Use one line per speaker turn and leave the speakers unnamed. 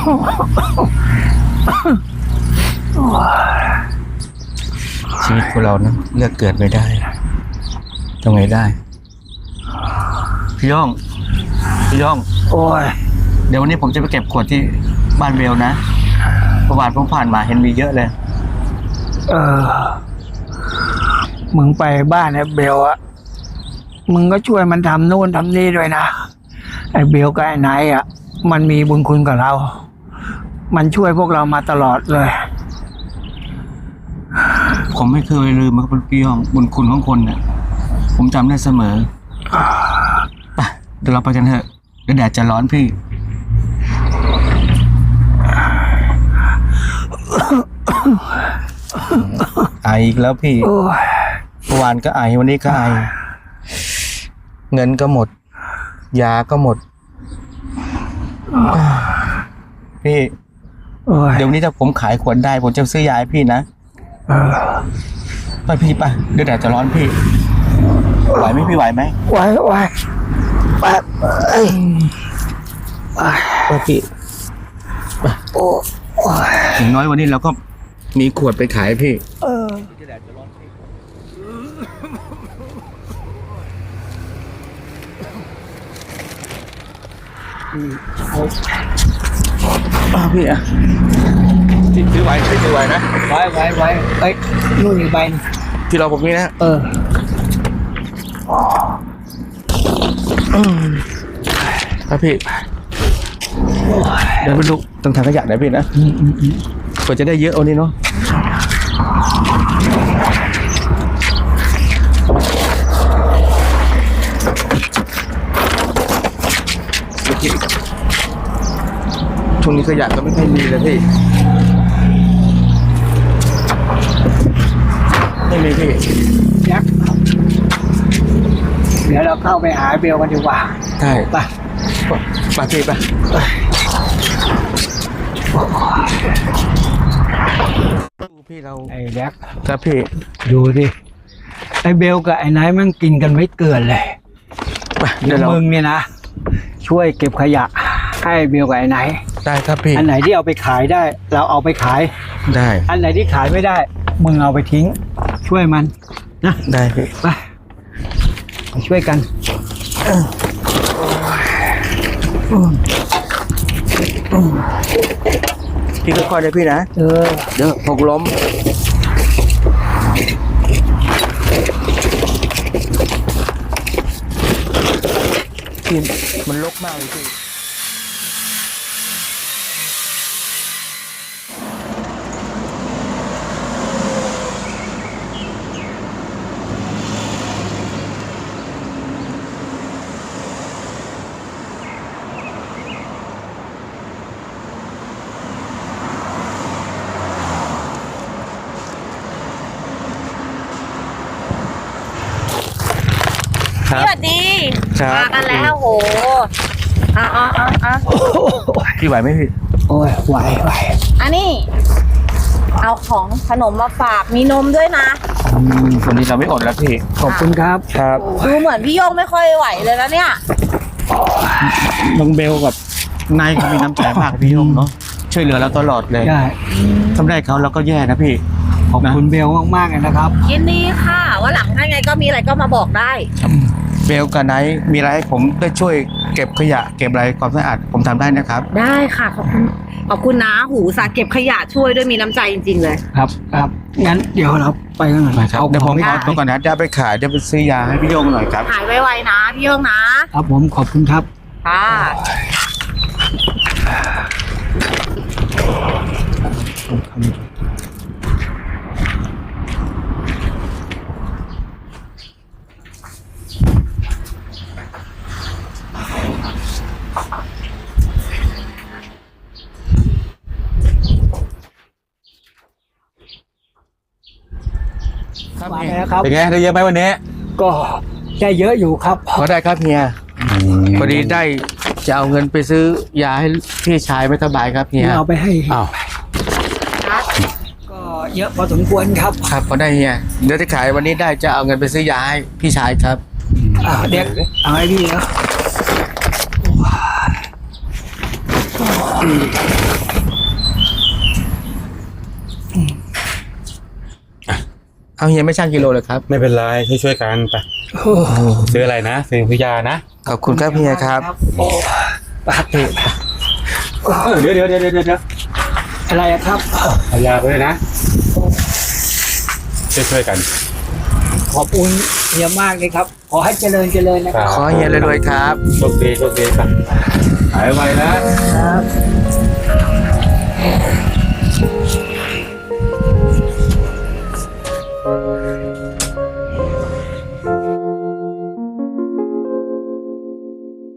ชีวิตของเรานะเลือกเกิดไม่ได้ทำไงได้พี่ย่อง
โอ้ย
เดี๋ยววันนี้ผมจะไปเก็บขวดที่บ้านเบลนะประวัติผมผ่านมาเห็นมีเยอะเลย
มึงไปบ้านไอ้เบลอะมึงก็ช่วยมันทำนู่นทำนี่ด้วยนะไอ้เบลกับไอ้ไนท์อะมันมีบุญคุณกับเรา มันช่วยพวกเรามาตลอดเลย
ผมไม่เคยลืมครับพี่ย่องบุญคุณของคนเนี่ยผมจำได้เสมอไปเดี๋ยวเราไปกันเถอะเดี๋ยวแดดจะร้อนพี่ไออีกแล้วพี่เมื่อวานก็ไอวันนี้ก็ไอเงินก็หมดยาก็หมดพี่เดี๋ยววันนี้ถ้าผมขายขวดได้ผมจะซื้อยาให้พี่นะไปพี่ไปเดี๋ยวแดดจะร้อนพี่ไหวไหมพี่ไหวไหม
ไหวไป
พี่อย่างน้อยวันนี้เราก็มีขวดไปขายพี่พี่อ่ะถือไหวถือไหวนะ
ไหวเอ้ยนู่นอีกใบ
ที่เราผมนี่นะครับพี่เดี๋ยวไปลุกต้องทางขยะได้พี่นะกว่าจะได้เยอะเอานี่เนาะช่วงนี้ขยะก็ไม่ค่อยมีเลยพี่ไม่มีพี่
เดี๋ยวเราเข้าไปหาเบลกันดีกว่า
ใช่
ไป
พี่ไปพี่เรา
ไอ้แจ็ค
ครับพี่
ดูดิไอ้เบลกับไอ้ไนท์มันกินกันไม่เกินเลยเดี๋ยวมึงเนี่ยนะช่วยเก็บขยะให้เบลกับไอ้ไนท์
ได้ครับพี่
อันไหนที่เอาไปขายได้เราเอาไปขาย
ได้
อันไหนที่ขายไม่ได้มึงเอาไปทิ้งช่วยมันนะ
ได้พี่
ไปช่วยกัน
พี่ค่อยๆเลยพี่นะเดี๋ยวหกล้มพี่มันรกมากเลยพี่
สวัสดีมากันแล้วโห
พี่ไหวไหมพี่
โอ้ยไหว
อันนี้เอาของขนมมาฝากมีนมด้วยนะ
วันนี้เราไม่อดแล้วพี่
ขอบคุณครับ
ดูเหมือนพี่โยงไม่ค่อยไหวเลยแล้วเนี่ย
น้องเบลกับนายเขามีน้ำใจมากพี่โยงเนาะช่วยเหลือเราตลอดเลย
ใช่
ทำได้เขาเราก็แย่นะพี่
ขอบคุณเบลมากๆเลยนะครับ
ยินดีค่ะว่าหลังถ้าไงก็มีอะไรก็มาบอกได้
เบลกับไนท์มีอะไรให้ผมได้ช่วยเก็บขยะเก็บอะไรความสะอาดผมทำได้นะครับ
ได้ค่ะขอบคุณนะหูสาเก็บขยะช่วยด้วยมีน้ำใจจริงๆเลย
ครับงั้นเดี๋ยวเราไปกันหน่อย
ครับเดี๋ยวผมขอตัวก่อนนะจะไปขายจะไปซื้อยาให้พี่โยงหน่อยครับ
ขายไวๆนะพี่โยงนะครับ
ผมขอบคุณครับ
ค่ะ
เป็นไงได้เยอะไหมวันนี้
ก็ได้เยอะอยู่ครับ
พอได้ครับเฮียพอดีได้จะเอาเงินไปซื้อยาให้พี่ชายไม่สบายครับเฮีย
เอาไปให้ก็เยอะพอสมควรครับ
พอได้เฮียเดี๋ยวจะขายวันนี้ได้จะเอาเงินไปซื้อยาให้พี่ชายครับ
เด็กเอาให้พี่นะ
เอาเฮียไม่ช่างกิโลเลยครับ
ไม่เป็นไรช่วยกันไปซื้ออะไรนะซื้อพิยานะ
ขอบคุณครับเฮียครับ
ปากเด็
เดี๋ยว
อะไรอะครับ
เอายาไปด้วยนะช่วยกัน
ขอบคุณเฮียมากเลยครับ ขอให้เจริญนะครับ
ขอให้เฮียรวยๆครับ
โชคดีไปหายไวนะครับ